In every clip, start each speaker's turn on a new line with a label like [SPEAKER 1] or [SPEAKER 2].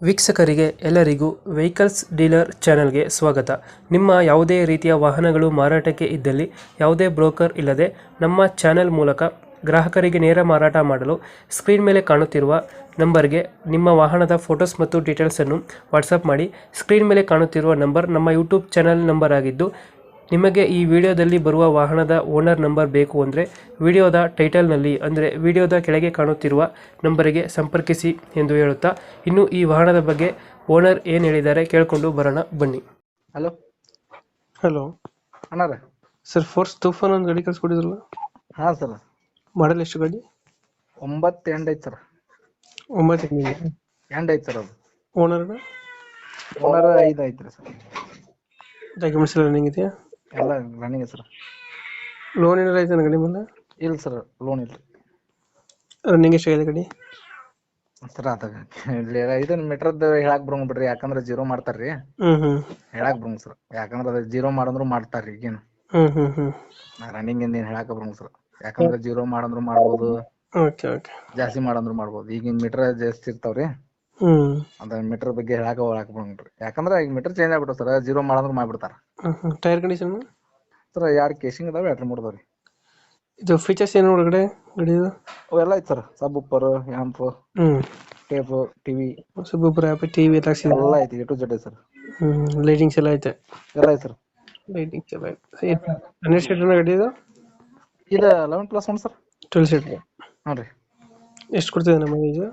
[SPEAKER 1] ವೀಕ್ಷಕರಿಗೆ ಎಲ್ಲರಿಗೂ vehicles dealer ಚಾನೆಲ್ಗೆ ಸ್ವಾಗತ. ನಿಮ್ಮ ಯಾವುದೇ ರೀತಿಯ ವಾಹನಗಳು ಮಾರಾಟಕ್ಕೆ ಇದ್ದಲ್ಲಿ ಯಾವುದೇ ಬ್ರೋಕರ್ ಇಲ್ಲದೆ ನಮ್ಮ ಚಾನೆಲ್ ಮೂಲಕ ಗ್ರಾಹಕರಿಗೆ ನೇರ ಮಾರಾಟ ಮಾಡಲು ಸ್ಕ್ರೀನ್ ಮೇಲೆ ಕಾಣುತ್ತಿರುವ ನಂಬರ್ಗೆ ನಿಮ್ಮ ವಾಹನದ ಫೋಟೋಸ್ ಮತ್ತು ಡೀಟೇಲ್ಸನ್ನು ವಾಟ್ಸಪ್ ಮಾಡಿ. ಸ್ಕ್ರೀನ್ ಮೇಲೆ ಕಾಣುತ್ತಿರುವ ನಂಬರ್ ನಮ್ಮ ಯೂಟ್ಯೂಬ್ ಚಾನೆಲ್ ನಂಬರ್ ಆಗಿದ್ದು, ನಿಮಗೆ ಈ ವಿಡಿಯೋದಲ್ಲಿ ಬರುವ ವಾಹನದ ಓನರ್ ನಂಬರ್ ಬೇಕು ಅಂದರೆ ವಿಡಿಯೋದ ಟೈಟಲ್ನಲ್ಲಿ ಅಂದರೆ ವಿಡಿಯೋದ ಕೆಳಗೆ ಕಾಣುತ್ತಿರುವ ನಂಬರಿಗೆ ಸಂಪರ್ಕಿಸಿ ಎಂದು ಹೇಳುತ್ತಾ, ಇನ್ನು ಈ ವಾಹನದ ಬಗ್ಗೆ ಓನರ್ ಏನು ಹೇಳಿದ್ದಾರೆ ಕೇಳಿಕೊಂಡು ಬರೋಣ ಬನ್ನಿ.
[SPEAKER 2] ಹಲೋ
[SPEAKER 1] ಹಲೋ
[SPEAKER 2] ಅಣ್ಣಾರ.
[SPEAKER 1] ಸರ್, ಫೋರ್ಸ್ ತೂಫಾನ್ ಒಂದು ಗಾಡಿ ಕಳ್ಸ್ಕೊಟ್ಟಿದ್ರಲ್ಲ,
[SPEAKER 2] ಹಾ ಸರ್,
[SPEAKER 1] ಮಾಡಲ್ ಎಷ್ಟು ಗಾಡಿ?
[SPEAKER 2] 9 ಎಂಡ್ ಐತಿ ಸರ್.
[SPEAKER 1] 9
[SPEAKER 2] ಎಂಡ್ ಐತಿ ಸರ್. ಅದು
[SPEAKER 1] ಓನರ್
[SPEAKER 2] ಓನರ್ 5 ಐತ್ರಿ ಸರ್.
[SPEAKER 1] ಡಾಕ್ಯುಮೆಂಟ್ಸ್ ಎಲ್ಲ ರನ್ನಿಂಗ್ ಇದೆಯಾ?
[SPEAKER 2] ಎಲ್ಲ ರನ್ನಿಂಗ್ ಸರ್.
[SPEAKER 1] ಲೋನ್ ಏನಾರ ಐತೆ ಗಾಡಿ ಮೇಲೆ?
[SPEAKER 2] ಇಲ್ಲ ಸರ್, ಲೋನ್ ಇಲ್ರಿ.
[SPEAKER 1] ರನ್ನಿಂಗ್ ಎಷ್ಟಾಗಿದೆ ಗಾಡಿ
[SPEAKER 2] ಸರ್ ಅದಾಗ ಇದನ್ನ ಮೀಟರ್ದ ಹೇಳಾಕ್ ಬರಂಗ್ ಬಿಡ್ರಿ, ಯಾಕಂದ್ರ ಜೀರೋ ಮಾಡ್ತಾರ್ರಿ. ಹೇಳಾಕ್ ಬರಂಗ್ ಸರ್, ಯಾಕಂದ್ರ ಅದ ಜೀರೋ ಮಾಡಂದ್ರು ಮಾಡ್ತಾರ್ರಿ. ಈಗೇನು ರನ್ನಿಂಗ್ ಏನ್ ಹೇಳಾಕ ಬರಂಗ್ ಸರ್, ಯಾಕಂದ್ರ ಜೀರೋ ಮಾಡಂದ್ರು ಮಾಡ್ಬೋದು, ಜಾಸ್ತಿ ಮಾಡಂದ್ರು ಮಾಡ್ಬೋದು. ಈಗಿನ ಮೀಟರ್ ಜಾಸ್ತಿ ಇರ್ತಾವ್ರಿ, ಅದ ಮೀಟರ್ ಬಗ್ಗೆ ಹೇಳಾಕ ಬರಂಗ್ರಿ. ಯಾಕಂದ್ರ ಈಗ ಮೀಟರ್ ಚೇಂಜ್ ಆಗ್ಬಿಟ್ಟು ಸರ್, ಜೀರೋ ಮಾಡಂದ್ರು ಮಾಡ್ಬಿಡ್ತಾರ.
[SPEAKER 1] ಟೈರ್ ಕಂಡೀಷನ್
[SPEAKER 2] ಸರ್ 2 ಕೇಸಿಂಗ್ ಅದಾವ, 2 ಮೂಡ್ದಾವ್ರಿ.
[SPEAKER 1] ಇದು ಫೀಚರ್ಸ್ ಏನು ಒಳಗಡೆ ಗಾಡಿದು?
[SPEAKER 2] ಅವೆಲ್ಲ ಐತಿ sir. Subwoofer, amp, tape, TV,
[SPEAKER 1] sub TV
[SPEAKER 2] ಎಲ್ಲ ಐತಿ. A to Z sir.
[SPEAKER 1] Lightings ಎಲ್ಲ ಐತೆ?
[SPEAKER 2] ಎಲ್ಲ ಐತಿ ಸರ್.
[SPEAKER 1] ಲೈಟಿಂಗ್ಸ್ ಎಲ್ಲ ಐತೆ. 12 ಸೀಟರ್ ಗಾಡಿ ಇದು?
[SPEAKER 2] ಇದು 11+1 ಸರ್.
[SPEAKER 1] 12 ಸೀಟರ್.
[SPEAKER 2] ಹ್ಞೂ ರೀ.
[SPEAKER 1] ಎಷ್ಟು ಕೊಡ್ತಿದೆ ನಮ್ಮ ಮೈಲೇಜ್?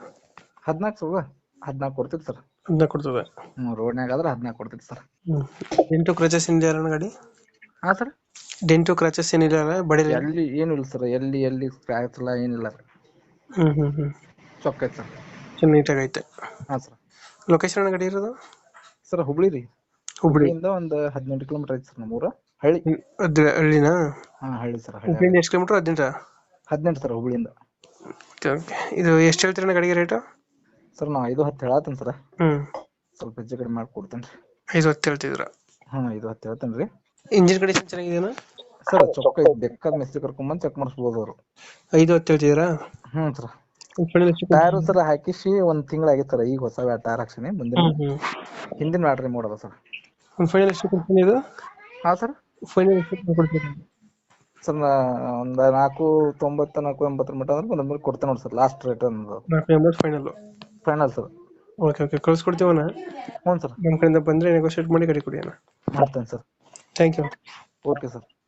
[SPEAKER 2] 14 ಕೊಡ್ತಿತ್ತು ಸರ್.
[SPEAKER 1] 14 ಕೊಡ್ತದೆ.
[SPEAKER 2] ರೋಡ್ನ್ಯಾಗ ಆದ್ರೆ 14 ಕೊಡ್ತಿತ್ತು ಸರ್.
[SPEAKER 1] ಡೆಂಟು ಕ್ರಚಸ್ ಏನಿದೆ ಗಾಡಿ?
[SPEAKER 2] ಹಾ ಸರ್.
[SPEAKER 1] ಡೆಂಟು ಕ್ರಚಸ್ ಏನಿಲ್ಲ ಬಡಿ?
[SPEAKER 2] ಎಲ್ಲಿ ಏನು ಇಲ್ಲ ಸರ್, ಎಲ್ಲಿ ಸ್ಕ್ರಾಚ್ ಇಲ್ಲ, ಏನಿಲ್ಲ ಸರ್. ಚೊಕ್ಕ ಐತೆ ಸರ್,
[SPEAKER 1] ನೀಟಾಗಿ ಐತೆ.
[SPEAKER 2] ಹಾ ಸರ್.
[SPEAKER 1] ಲೊಕೇಶನ್ ಗಾಡಿ ಇರೋದು
[SPEAKER 2] ಸರ್ ಹುಬ್ಳಿ ರೀ. ಹುಬ್ಳಿಯಿಂದ ಒಂದು 18 ಕಿಲೋಮೀಟರ್ ಐತಿ ಸರ್ ನಮ್ಮೂರ. ಹಳ್ಳಿ.
[SPEAKER 1] ಹಳ್ಳಿನಾ?
[SPEAKER 2] ಹಾ ಹಳ್ಳಿ ಸರ್.
[SPEAKER 1] ಹುಬ್ಳಿಯಿಂದ ಎಷ್ಟು ಕಿಲೋಮೀಟರ್?
[SPEAKER 2] 18 ಸರ್ ಹುಬ್ಳಿಯಿಂದ.
[SPEAKER 1] ಇದು ಎಷ್ಟು ಹೇಳ್ತೀರ ಗಾಡಿಗೆ ರೇಟು?
[SPEAKER 2] ಸರ್ ನಾವು 5-10 ಹೇಳತ್ತೇನೆ ಸರ್. ಸ್ವಲ್ಪ ಹೆಚ್ಚು ಕಡಿಮೆ ಮಾಡ್ಕೊಡ್ತೇನೆ ರೀ.
[SPEAKER 1] 5-10 ಹೇಳ್ತಿದ್ರ?
[SPEAKER 2] ಹಾ 5-10 ಹೇಳ್ತೇನೆ ರೀ.
[SPEAKER 1] ಇಂಜಿನ್ ಕಂಡೀಷನ್ ಚೆನ್ನಾಗಿದೆಯಾ
[SPEAKER 2] ಸರ್? ಚೊಕ್ಕ ಐತಿ, ಬೇಕಾದ ಮಿಸ್ತ್ರಿ ಕರ್ಕೊಂಡ್ಬಂದು ಚೆಕ್ ಮಾಡಿಸ್ಬೋದು ಅವರು.
[SPEAKER 1] 5-10 ಹೇಳ್ತಿದ್ದೀರಾ?
[SPEAKER 2] ಸರ್. ಟೈರ್ ಸರ್ ಹಾಕಿಸಿ 1 ತಿಂಗಳಾಗಿತ್ತು ಸರ್. ಈಗ ಹೊಸ ಟೈರ್ ಹಾಕ್ಸಿನಿ. ಮುಂದಿನ ಹಿಂದಿನ ಬ್ಯಾಟ್ರಿ ಮೋಡ್ ಅದ ಸರ್.
[SPEAKER 1] ಫೈನಲ್ ಎಷ್ಟು ಕೊಡ್ತೀನಿ ಇದು?
[SPEAKER 2] ಹಾ ಸರ್.
[SPEAKER 1] ಫೈನಲ್ ಎಷ್ಟು ಕೊಡ್ತೀನಿ
[SPEAKER 2] ಸರ್? ಒಂದು 490 480 ಮಟ್ಟ ಅಂದ್ರೆ ಬಂದ್ಮೇಲೆ ಕೊಡ್ತೇನೆ ನೋಡಿ sir. Last rate final sir.
[SPEAKER 1] Okay ಕಳ್ಸ್ಕೊಡ್ತೀವಣ್ಣ.
[SPEAKER 2] ಹ್ಞೂ ಸರ್.
[SPEAKER 1] ನಮ್ಮ ಕಡೆಯಿಂದ ಬಂದರೆ ನೆಗೋಷಿಯೇಟ್ ಮಾಡಿ ಗಾಡಿ ಕೊಡಿ ಅಣ್ಣ.
[SPEAKER 2] ಮಾಡ್ತೇನೆ sir.
[SPEAKER 1] Thank you.
[SPEAKER 2] Okay sir.